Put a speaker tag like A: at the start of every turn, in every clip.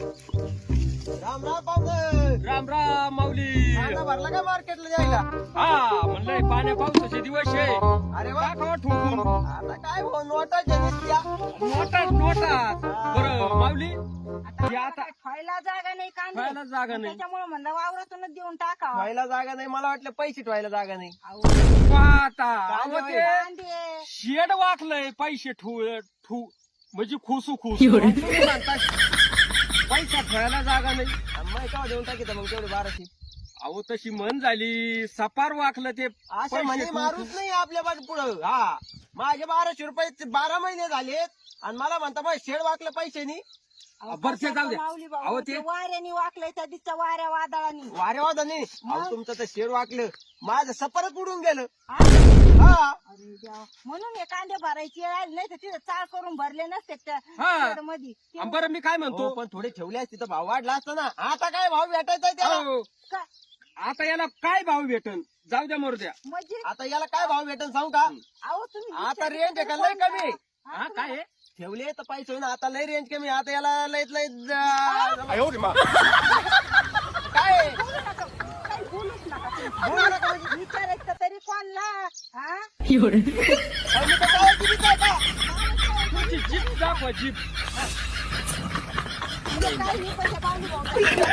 A: राम राम पाहुणे.
B: राम राम माऊली.
A: कांदा भरला का मार्केटला जायला?
B: हा म्हणलंय पाण्या पावसाचे दिवस आहे.
A: अरे वा.
B: टाकावा ठोकून.
A: आता काय हो नोटाच्या दिसत्या.
B: नोटात बरं माऊली ते आता
C: व्हायला जागा नाही कांदे
B: खायला जागा नाही.
C: त्याच्यामुळे म्हणलं वावरातूनच देऊन टाका
A: ठेवायला जागा नाही, मला वाटलं पैसे ठेवायला जागा नाही.
B: आता
A: कांदे
B: अहो, ते
C: कांदे
B: शेड वाकलंय पैसे ठू म्हणजे खुसू तुम्ही म्हणता पैसा ठेवायला जागा नाही.
A: मग केव्हा देऊन टाकी मग तेवढे 1200.
B: अहो तशी म्हण झाली सपार वाकलं ते
A: असं
B: पैसे
A: म्हणे
B: ठेवून-
A: मारूच नाही आपल्या बाजू पुढं. हा माझे 1200 रुपये 12 महिने झालेत आणि मला म्हणता मग शेड वाकलं पैसे नाही.
B: बरं ते जाऊ द्या.
C: माऊली
B: अहो,
C: भाऊ
B: ते-
C: ते वाऱ्याने वाकलंय त्या दिसच्या वाऱ्या वादळाने
A: वारेवादा नाही. अहो तुमचं तर शेड वाकलं, माझं सपारच उडून गेलं.
C: हा?
A: हा
C: अरे देवा. म्हणून हे कांदे भरायचे आले नाही तर तिथे चाळ करून भरले नसते त्या
B: हा.
C: मध्ये
B: बरं मी काय
A: हो,
B: म्हणतो
A: पण थोडे ठेवले असते तर भाव वाढला असता ना. आता काय भाव भेटायचा आहे त्याला?
B: अहो, आता याला काय भाव भेटन जाऊ द्या मरू द्या.
C: म्हणजे
A: आता याला काय भाव भेटन सांगू का?
C: अहो तुम्ही
A: आता
C: विचार
A: रेंज आहे का
C: करून
A: लय कमी?
C: हा,
B: हा काय आहे?
A: ठेवले तर पैसे ना आता लय रेंज कमी. आता याला लय लय काय
C: बोलू नका. काही बोलूच नका तुम्ही.
A: बोलू नका म्हणजे?
C: विचारायचं तरी कोणला हा
A: अहो, मी तर काय किती काय का?
B: तुमची जीप दाखवा जीप.
C: म्हणजे काही नाही पण त्या बावली भाऊ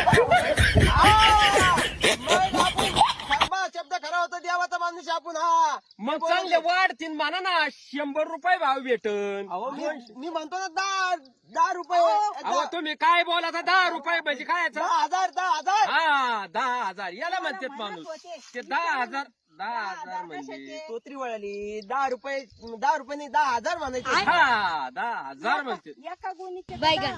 A: मग आपण शब्बा शब्द खरा होता देवाचा माणूस आपण. हा
B: मग चांगले वाढतील म्हणा ना 100 रुपये भाव भेटन.
A: अहो मी म्हणतो ना 10 रुपये.
B: अहो तुम्ही काय बोला 10 रुपये म्हणजे काय याचं?
A: 10,000
B: हा 10,000 याला म्हणतात
C: म्हणत
B: माणूस.
C: होते.
B: ते 10,000 म्हणजे
C: कशाचे?
A: तोत्री वळाली. 10 रुपये नाही 10,000 म्हणायचे.
B: हा 10,000 म्हणतात.
C: एका गुणीचे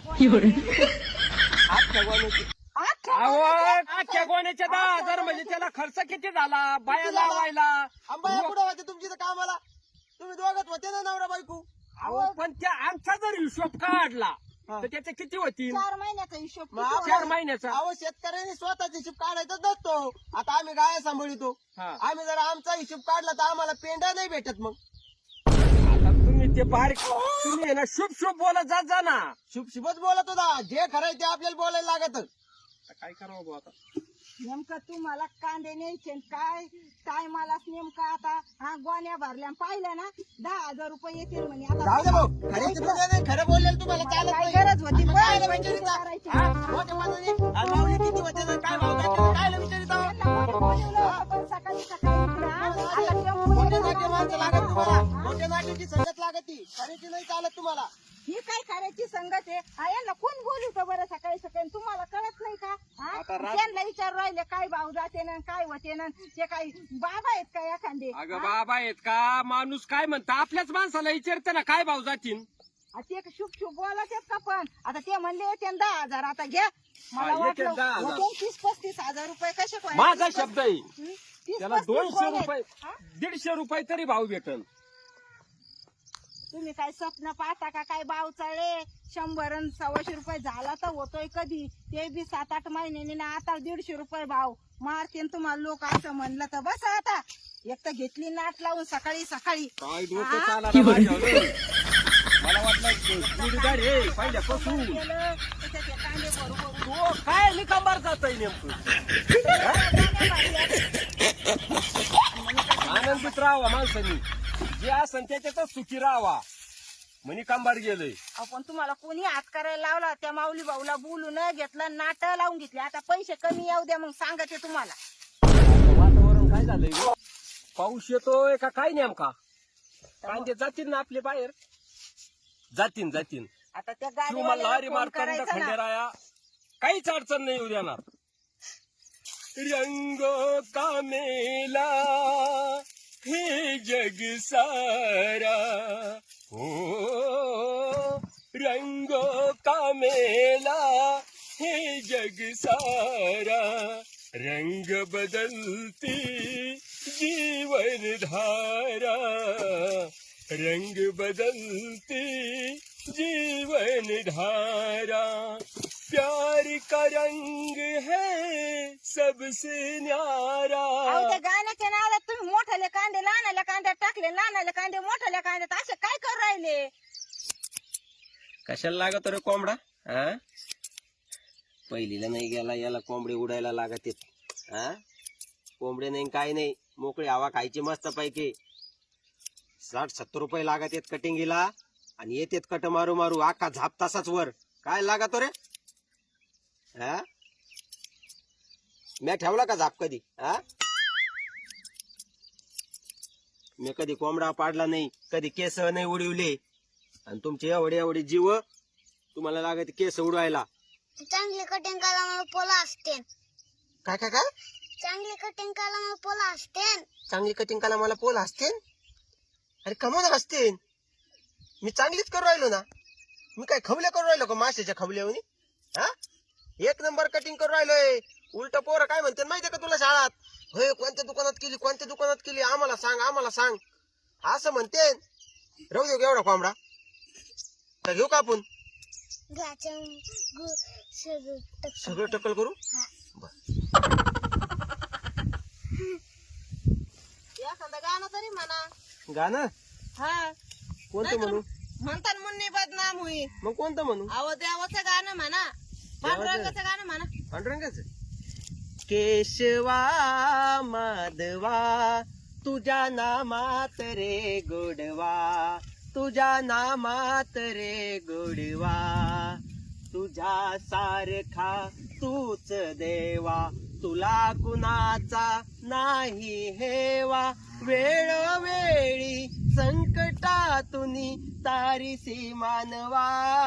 A: अख्ख्या गोण्याची.
B: अहो अख्ख्या गोण्याच्या 10,000 म्हणजे त्याला खर्च किती झाला बाया लावायला.
A: अंबाया कुठं होते तुमची तर कामाला? तुम्ही दोघात होते ना नवरा बायको?
B: अहो पण त्या आमचा जर हिशोब काढला तर त्याचे किती होतील?
C: 4 महिन्याचा हिशोब
A: मग
C: किती
A: आपण-
B: 4 महिन्याचा.
A: अहो शेतकऱ्यांनी स्वतःचा हिशोब काढायचा नसतो. आता आम्ही गाय सांभाळतो.
B: हा.
A: आम्ही जर आमचा हिशोब काढला तर आम्हाला पेंडा नाही भेटत. मग
B: आता तुम्ही ते बारीक तुम्ही आहे ना शुभ शुभ बोलत जात जा ना.
A: शुभ शुभच बोलत होता. जे खरंय ते आपल्याला बोलायला लागत.
B: आता काय करावं बुवा आता?
C: नेमकं तुम्हाला कांदे न्यायचे काय टायमालाच नेमका आता हा गोण्या भरल्या पाहिलं ना 10,000 रुपये येतील म्हणे
A: जाऊ दे भाऊ. खरे नाही खरं बोललेलं तुम्हाला चालत
C: काय
A: नाही.
C: गरज होती
A: आता
C: बरं,
A: कायला
C: म्हणजे
A: विचारिता?
C: करायची.
A: हा? मोठ्या माणसाने आज माऊली किती होते ना काय भाव घातले कायला विचारिता?
C: त्यांना कोणी बोलवलं होतं पण सकाळी सकाळी इकडे, हा? आता टेम्पो
A: मोठे
C: येणार
A: नाट्य माणसं लागत तुम्हाला. मोठ्या नाट्याची संगत लागती. खरेची नाही चालत तुम्हाला.
C: ही काय करायची संगत आहे हा, यांना कोण बोलवतं बरं सकाळी सकाळी तुम्हाला कळत नाही का हा?
B: आता
C: त्यांना विचार राहिले काय भाव जाते ना काय होते ना ते काय बाबा आहेत का एखादे
B: अगं बाबा आहेत का माणूस काय म्हणता आपल्याच माणसाला विचारते ना काय भाव जातील.
C: ते शुभ शुभ बोलत आहेत का पण आता ते म्हणले ते 10,000 आता घ्या मला
B: हा, येते
C: वाटलं
B: 10,000.
C: 30-35 हजार रुपये कसे
B: माझा शब्द आहे.
C: 30-35
B: त्याला 200
C: बोलले.
B: रुपये
C: हा?
B: 150 रुपये तरी भाव भेटन.
C: तुम्ही काय स्वप्न पाहता का काय भाव चढे 100 आणि 125 रुपये झाला तर होतोय कधी ते बी 7-8 महिन्यांनी ना आता 150 रुपये भाव मारते तुम्हाला लोक असं म्हणलं तर बस आता एक तर घेतली नाट लावून सकाळी सकाळी
B: काय डोकं चालायला माझ्यावर. मला वाटलं जोडीदार हे पहिल्यापासून
C: गेलं त्याच्यात हे कांदे बरोबर
B: तो काय निकांबार जात आहे नेमकं. आनंदित राहावा माणसानी जे असन त्याच्यातच सुखी राहावा म्हणी कांबार गेलंय.
C: आपण तुम्हाला कोणी हात करायला लावला त्या माऊली भाऊला बोलून घेतलं नाट लावून घेतले आता पैसे कमी येऊ द्या मग सांगते तुम्हाला
B: वातावरण काय झालंय गं? पाऊस येतोय का काय नेमका? कांदे जातील ना आपले बाहेर जातीन
C: आता त्या
B: किंवा लारी
C: गाडीवाल्याला फोन
B: मारतंड
C: करायचा ना
B: खंडेराया काहीच अडचण नाही येऊ देणार. रंग का मेला हे जग सारा हो रंग का मेला हे जग सारा रंग बदलती जीवन धारा रंग बदलती जीवन धारा प्यार का रंग है सबसे न्यारा.
C: अहो, त्या गाण्याच्या नादात तुम्ही मोठाले कांदे लहानाल्या कांद्यात टाकले लहानाल्या कांदे मोठाल्या कांद्यात असे काय करू राहिले
B: कशाला लागत रे कोंबडा?
A: पहिलीला नाही गेला, याला कोंबडे उडायला लागत हा. कोंबडे नाही काय नाही, मोकळी हवा खायची मस्त पैकी. 60-70 रुपये लागत आहेत कटिंगीला आणि येतेत कट मारू मारू आखा झाप तासाच वर. काय लागतो रे हा? मी ठेवला का झाप कधी हा? मी कधी कोंबडा पाडला नाही, कधी केस नाही उडवले. आणि तुमचे एवढे एवढे जीव तुम्हाला लागत केस उडवायला.
D: चांगली कटिंग करायला मला पोला असते.
A: काय काय काय?
D: चांगली कटिंग करायला मला पोला असते.
A: चांगली कटिंग करायला मला पोल असते. अरे कमवणार असते, मी चांगलीच करू राहिलो ना. मी काय खवले करू राहिलो का माशाच्या खवल्यावनी हा? एक नंबर कटिंग करू राहिलोय. उलट पोरं काय म्हणते माहितीये का तुला शाळात? होय कोणत्या दुकानात केली, कोणत्या दुकानात केली, आम्हाला सांग आम्हाला सांग असं म्हणते. राहू देऊ एवढा कोंबडा तर घेऊ का आपण? सगळं टक्कल करू.
C: एखादं गाणं तरी म्हणा.
A: गाणं
C: हा
A: कोणतं म्हणू?
C: म्हणतात मुन्नी बदनाम होई.
A: मग कोणतं म्हणू?
C: अहो देवाचं गाणं म्हणा, पांडुरंगाचं गाणं म्हणा.
A: पांडुरंगाचं. केशवा माधवा तुझ्या नामात रे गोडवा, तुझ्या नामात रे गोडवा, तुझ्या सारखा तूच देवा, तुला कुणाचा नाही हेवा, वेळोवेळी संकटातून तारीसी मानवा.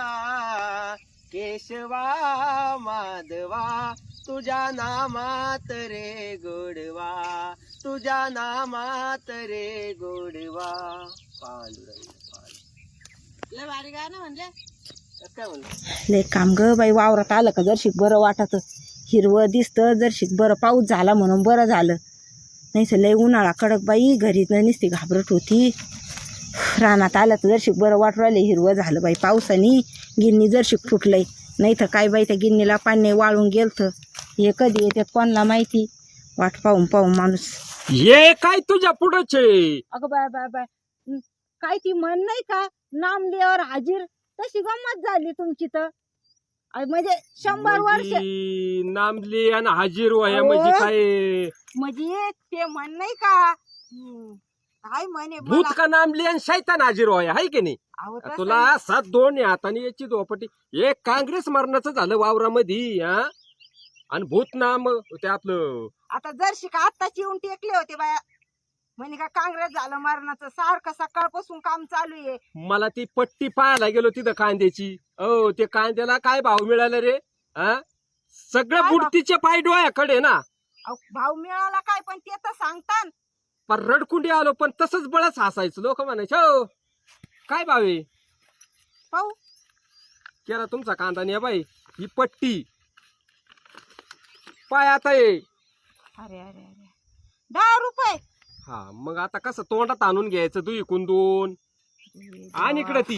A: केशवा माधवा तुझ्या नामात रे गोडवा, तुझ्या नामात रे गोडवा. पांडुरंग
C: लय भारी गाणं म्हणले.
A: काय म्हणलं?
C: लय काम ग बाई, वावरात आलं का जरशीक बरं वाटत, हिरवं दिसतं. जरशीक बरं पाऊस झाला म्हणून बरं झालं, नाही तर लय उन्हाळा कडक बाई. घरी नुसती घाबरट होती. रानात आलं तर जरशीक बरं वाटू राहिले, हिरवं झालं बाई पावसाने. गिन्नी जरशीक फुटलंय, नाही तर काय बाई त्या गिन्नीला पाणी वाळून गेलतं. हे कधी येतात कोणाला माहिती, वाट पाहून पाहून माणूस.
B: ये काय तुझ्या पुढचे?
C: अगं बाय बाय बाय, काय ती म्हण नाही का, नामदेवर हाजीर, तशी गंमत झाली तुमची तर. म्हणजे 100 वर्ष
B: नामली आणि हाजीर वया म्हणजे काय?
C: म्हणजे ते म्हण नाही का, काय म्हणे
B: भूत का नामली आणि शैतान हाजीर वया हाय की नाही?
C: अहो, तसं
B: तुला 7 दोन हाताने याची दोपटी. एक काँग्रेस मरणाचं झालं वावरामध्ये हा, आणि भूत नाम ते आपलं.
C: आता जरशी का आत्ताच येऊन टेकले होते बाया, म्हणे का काँग्रेस झालं मरणाचं. सारखं सकाळपासून काम चालू आहे.
B: मला ती पट्टी पाहायला गेलो तिथं कांद्याची. ओ ते कांद्याला काय भाव मिळाला रे हा? सगळं
C: काय भाव?
B: बुडतीचे पाय डोळ्याकडे ना.
C: अहो, भाव मिळाला काय, पण ते तर सांगतात.
B: पण रडकुंडी आलो पण तसंच बळच हसायचं. लोक म्हणायचे हो काय भाव आहे?
C: पाहू
B: केला तुमचा कांदा नाही बाई. ही पट्टी पाय आता ये.
C: अरे अरे अरे, 10 रुपये.
B: हा मग आता कसं तोंडात आणून घ्यायचं दुई कुंदून. आणि इकडं ती.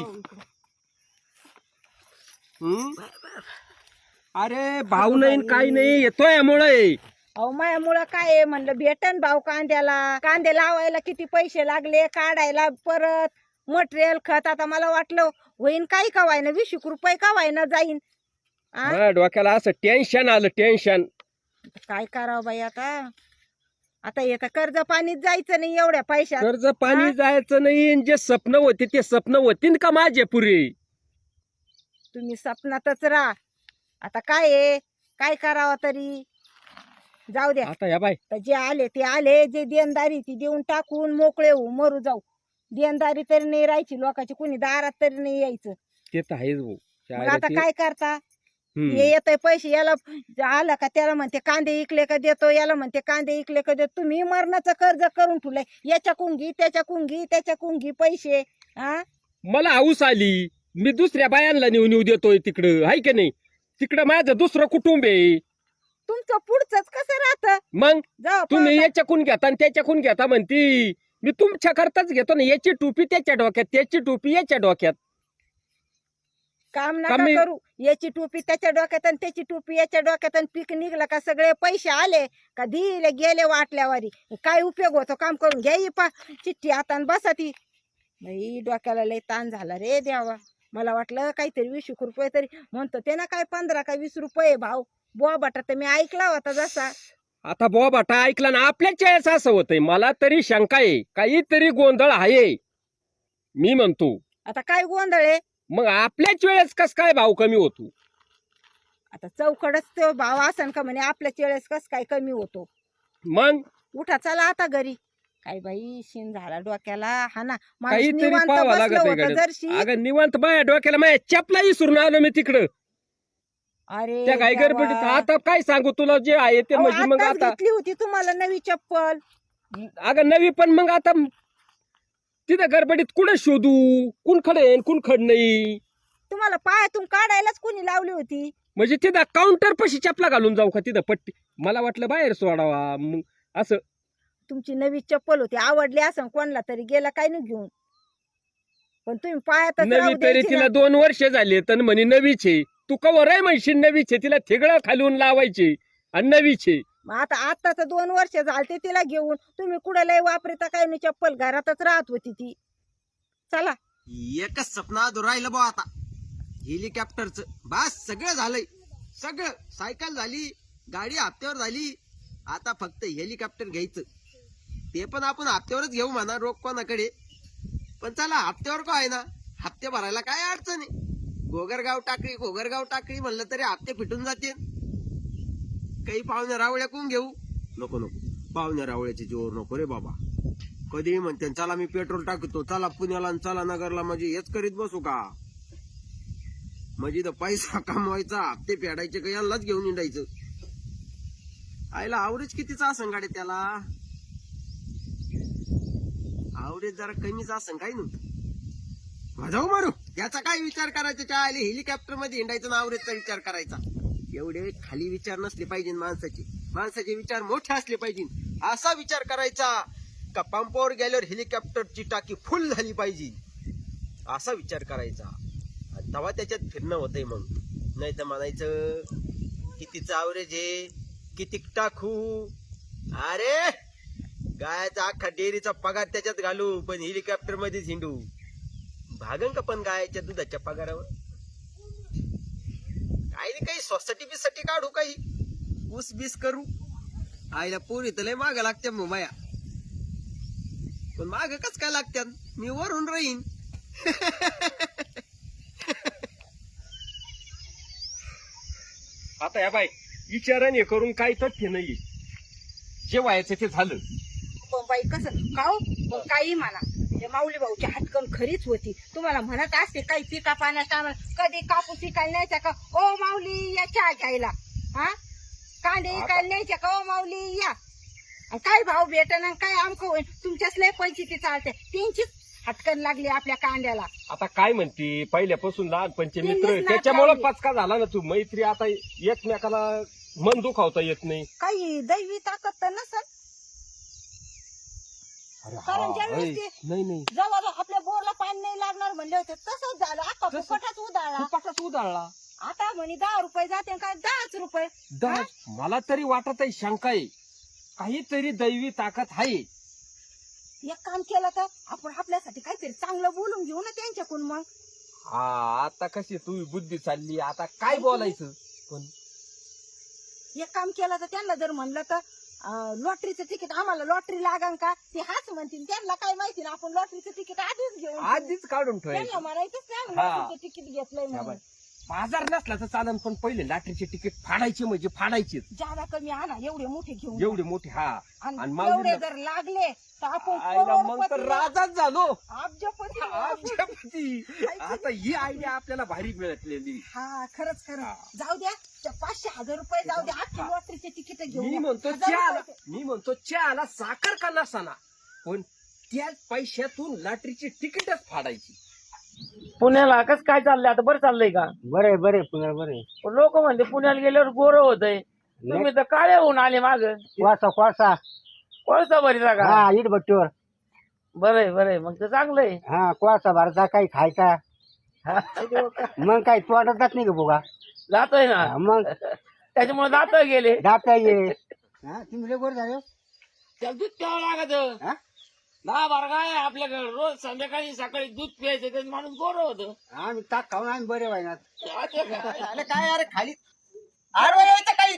B: अरे भाऊ नाही काही नाही, येतोय यामुळे.
C: अहो माझ्यामुळं काय आहे म्हणलं, भेटन भाव कांद्याला. कांदे लावायला किती पैसे लागले, काढायला परत मटेरियल खत. आता मला वाटलं होईन काही का व्हायना, 20 रुपये का व्हायना जाईन.
B: माझ्या डोक्याला असं टेन्शन आलं, टेन्शन.
C: काय करावं बाई आता. आता येतं कर्ज पाणीच जायचं नाही एवढ्या पैशात.
B: कर्ज पाणी जायचं नाही. जे स्वप्न होते ते स्वप्न होतीन का माझे पुरे?
C: तुम्ही स्वप्नातच राहा. आता काय आहे, काय करावं तरी. जाऊ द्या,
B: आता या बाई
C: तर जे आले ते आले. जे देणदारी ती देऊन टाकून मोकळे होऊ, मरू जाऊ. देणदारी तरी नाही राहायची लोकांची, कुणी दारात तरी नाही यायचं.
B: ते तर आहेच भाऊ.
C: मग आता काय करता.
B: हम्म.
C: हे येतंय पैसे, याला आलं का त्याला म्हणते कांदे इकले का देतो, याला म्हणते कांदे इकले का देतो. तुम्ही मरणाचं कर्ज करून ठेवलंय. याच्या कुंगी त्याच्या कुंगी त्याच्या कुंगी पैसे. हा
B: मला हाऊस आली, मी दुसऱ्या बायांना नेऊन देतोय तिकडं, हाय की नाही? तिकडं माझं दुसरं कुटुंब आहे.
C: तुमचं पुढचंच कसं राहतं.
B: मग
C: जाऊ
B: तुम्ही याच्याकून घेता आणि त्याच्याकून घेता म्हणती. मी तुमच्या करताच घेतो ना. याची टोपी त्याच्या डोक्यात, त्याची टोपी याच्या डोक्यात.
C: काम नका
B: कमी-
C: करू. याची टोपी त्याच्या डोक्यात आणि त्याची टोपी याच्या डोक्यात, आणि पीक निघलं का सगळे पैसे आले का दिले गेले वाटल्यावारी. काय उपयोग होतो. काम करून घ्या ही चिठ्ठी हातान बसा ती. बाई डोक्याला लय ताण झाला रे देवा. मला वाटलं काहीतरी 20 रुपये तरी म्हणतो ते ना, काय 15 का 20 रुपये भाव. बुवा बटा तर मी ऐकला होता जसा.
B: आता बुवा बाटा ऐकला ना, आपल्याच वेळेस असं होतंय. मला तरी शंका आहे, काहीतरी गोंधळ आहे मी म्हणतो.
C: आता काय गोंधळ आहे?
B: मग आपल्याच वेळेस कस काय भाव कमी होतो?
C: आता चौकडच तो भाव असन का म्हणे आपल्याच वेळेस कस काय कमी होतो.
B: मग
C: उठा चला आता घरी. काय बाई शिन झाला डोक्याला. हा ना माणूस
B: काहीतरी
C: निवांत
B: पाहावं
C: बसलं
B: लागत
C: होतं
B: आहे.
C: जरशी.
B: अगं निवांत बाया डोक्याला माझ्या चपला विसरून आलो मी तिकडं
C: अरे
B: त्या काय
C: देवा.
B: गडबडीत. आता काय सांगू तुला, जे आहे ते
C: अहो,
B: म्हणजे मग
C: आत्ताच
B: आता
C: घेतली होती तुम्हाला नवी चप्पल.
B: अगं नवी, पण मग आता तिथं गडबडीत कुठं शोधू, कुण खडेन कुण खड नाही.
C: तुम्हाला पायातून काढायलाच कोणी लावली होती.
B: म्हणजे तिथं काउंटर पशी चपला घालून जाऊ का तिथं पट्टी? मला वाटलं बाहेर सोडावा. मग असं
C: तुमची नवी चप्पल होती, आवडली असं कोणाला तरी गेला काय नाही घेऊन. पण तुम्ही पायातच
B: नवी
C: राहू
B: तरी
C: द्यायची
B: तिला
C: ना.
B: 2 वर्ष झाली तर म्हणे नवीचे. तू कवर आहे म्हणशील नवीचे, तिला थिगळं खालून लावायचे आणि नवीचे.
C: मग आता 2 वर्ष झालते तिला घेऊन. तुम्ही कुठं लय वापरता काय नाही चप्पल, घरातच राहत होती ती. चला
A: एकच सपना राहिलं बा आता, हेलिकॉप्टरचं. बस सगळं झालंय, सगळं. सायकल झाली, गाडी हप्त्यावर झाली, आता फक्त हेलिकॉप्टर घ्यायचं. ते पण आपण हप्त्यावरच घेऊ म्हणा, रोख कोणाकडे. पण चला हप्त्यावर का आहे ना, हप्ते भरायला काय अडचण आहे. घोगरगाव टाकळी म्हणलं तरी हप्ते फिटून जाते. काही पाहुण्या रावळ्या कोण घेऊ? नको पाहुण्या रावळ्याचे जोर नको रे बाबा. कधी म्हणते चला मी पेट्रोल टाकतो, चला पुण्याला आणि चला नगरला, म्हणजे हेच करीत बसू का? म्हणजे तर पैसा कमवायचा, हप्ते फेडायचे का यांनाच घेऊन निंडायचं. आईला आवरेज कितीचा असं गाडी त्याला? आवरेज जरा कमीच असं काही नव्हतं. जाऊ मारू, याचा काय विचार करायचा? चायले हेलिकॉप्टर मध्ये हिंडायचं ना आवरेजचा विचार करायचा. एवढे खाली विचार नसले पाहिजे माणसाचे विचार मोठे असले पाहिजे. असा विचार करायचा का पंपावर गेल्यावर हेलिकॉप्टरची टाकी फुल झाली पाहिजे, असा विचार करायचा. आणि तेव्हा त्याच्यात फिरणं होतंय. मग नाही तर म्हणायचं कितीचं आवरेज आहे, किती टाकू. अरे गायचा अख्खा डेअरीचा पगार त्याच्यात घालू, पण हेलिकॉप्टर मध्येच हिंडू. भागन का पण गायच्या दुधाच्या पगारावर? काही सोसायटी बिसाठी काढू, काही ऊस बीस करू. आईला पोरी तर लय माग लागत्या मुंबया, पण माग कस काय लागत्यात? मी वरून राहीन.
B: आता या बाई विचाराने करून काही तथ्य नाहीये. जे व्हायचं ते झालं.
C: पण बाई कसं खाऊ पण काही म्हणा, ते माऊली भाऊची हातकण खरीच होती. तुम्हाला म्हणत असते काही पिका पाण्याच्या टायमाला कधी कापूस विकायला न्यायचा का ओ माऊली या चहा घ्यायला, हा कांदे विकायला न्यायच्या का ओ माऊली या. आणि काय भाव भेटन काय आमकं होईल. तुमच्याच लय पंचायती चालते, त्यांचीच हटकन लागली आपल्या कांद्याला.
B: आता काय म्हणते, पहिल्यापासून लहानपणचे मित्र,
C: त्यांनीच नाक
B: त्याच्यामुळे
C: लावली.
B: पचका झाला ना तू. मैत्री आता एकमेकाला मन दुखावता येत नाही.
C: काही दैवी ताकद तर नसल. कारण ज्यावेळेस ते
B: नाही
C: जवळ आपल्या बोरला पाणी नाही लागणार म्हणले होते तसंच झालं. आता फुकटाच उधाळला.
B: फुकटच उधाळला.
C: आता म्हणे 10 रुपये जाते काय 10च रुपये.
B: मला तरी वाटत आहे, शंका आहे, काहीतरी दैवी ताकद आहे.
C: एक काम केलं तर आपण आपल्यासाठी काहीतरी चांगलं बोलून घेऊ ना त्यांच्याकडून. मग
B: हा आता कशी तू बुद्धी चालली, आता काय बोलायचं? पण
C: एक काम केलं तर त्यांना जर म्हणलं तर लॉटरीचं तिकीट आम्हाला लॉटरी लागन का, ते हाच म्हणतील. त्यांना काय माहिती ना आपण लॉटरीचं तिकीट आधीच घेऊन ठेवू.
B: आधीच काढून
C: त्यांना
B: ठेवायचं.
C: म्हणायचंच नाही आम्ही
B: हा.
C: लॉटरीचं तिकीट घेतलंय म्हणून.
B: बाजार नसला तर चालन, पण पहिले लाटरीचे तिकीट फाडायचे म्हणजे फाडायचे.
C: जादा कमी आणा, एवढे मोठे घेऊन
B: एवढे मोठे. हा
C: आणि
B: आणि
C: एवढे
B: माऊलीला-
C: जर लागले तर आपण
B: आईला मग तर
C: करोडपती,
B: राजाच झालो.
C: अब्जपती.
B: अब्जपती. आता ही आयडिया आपल्याला भारी मिळालेली.
C: हा खरंच जाऊ द्या. 500,000 रुपये जाऊ द्या, अख्खी लॉटरीचे तिकीट घेऊन
B: मी
C: या.
B: म्हणतो
C: 1000 रुपये.
B: चहाला साखर का नसाना, पण त्याच पैशातून लॉटरीची तिकीटच फाडायची.
E: पुण्याला कसं काय चाललंय आता? बरं चाललंय का?
F: बरे बरे पुन्हा बरे.
E: लोक म्हणते पुण्याला गेल्यावर गोरं होतंय, तुम्ही तर काळे होऊन आले माग.
F: कोळसा
E: कोळसा भरीचा का?
F: हा इट भट्टीवर.
E: बरंय मग तर चांगलंय.
F: हा कोळसा भरता काही खायचा. मग काय तोडत जात नाही का बोगा?
E: जातोय ना,
F: मग
E: त्याच्यामुळे जातोय गेले.
F: जाता ये. तुम्ही लय गोड झाले.
E: त्याला दूध प्यावं लागत.
F: हा?
E: 10-12 गाय आहे आपल्याकडे, रोज संध्याकाळी सकाळी दूध प्यायचं, त्याचं माणूस गोरं होतं.
F: आम्ही ताक खाऊन आम्ही बरे व्हायना.
A: अरे काय अरे खाली आडवा यायचं काही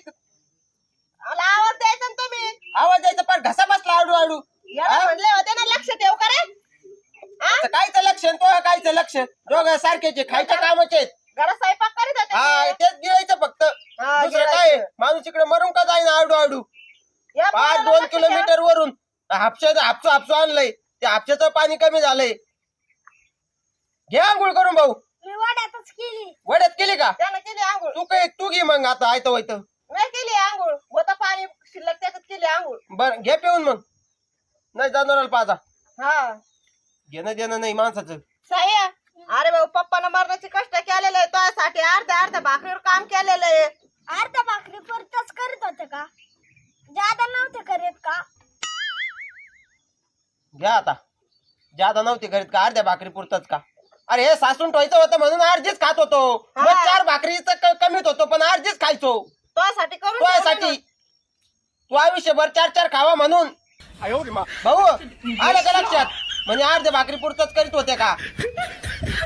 A: द्यायचं लक्ष दोघं सारखेचे खायच्या कामाचे आहेत.
C: घरात स्वयंपाक करीत होते
A: हा
C: ते.
A: तेच गिळायचं फक्त
C: हा,
A: दुसरं काय
C: गिळायचं.
A: माणूस इकडे मरून का जाईना आडू आडू
C: या
A: 5-2
C: पोराला लक्ष ठेवा.
A: किलोमीटर वरून हापसू आणलंय ते हापशाचं पाणी कमी झालंय. घे आंघोळ करून भाऊ.
D: मी वाड्यातच केली.
A: वड्यात केली का
C: त्यानं केली आंघोळ.
A: तू घे मग आता आयतं वायतं.
C: नाही केली आंघोळ. होतं पाणी शिल्लक त्याच्यात केली आंघोळ.
A: बर घे पिऊन मग नाही जनावराला पाजा
C: हा
A: घेणं देणं नाही माणसाचं.
C: साया अरे भाऊ पप्पानं मरणाचे कष्ट केलेले आहे तुझ्यासाठी अर्ध्या भाकरीवर काम केलेलं आहे.
D: अर्ध्या भाकरी परतच करीत होते का? जादा नव्हते करीत का?
A: घ्या आता ज्यादा नव्हती करीत का अर्ध्या भाकरी पुरतच का? अरे हे सासून ठेवायचं होतं म्हणून अर्धीच खात होतो. मग
C: हा.
A: 4 भाकरीच कमीत होतो पण अर्धीच खायचो
C: तुझ्यासाठी करून
A: तुझ्यासाठी.
C: ठेवलं
A: तू आयुष्यभर 4 खावा म्हणून भाऊ आलं का लक्षात म्हणजे अर्ध्या भाकरी पुरतच करीत होते का?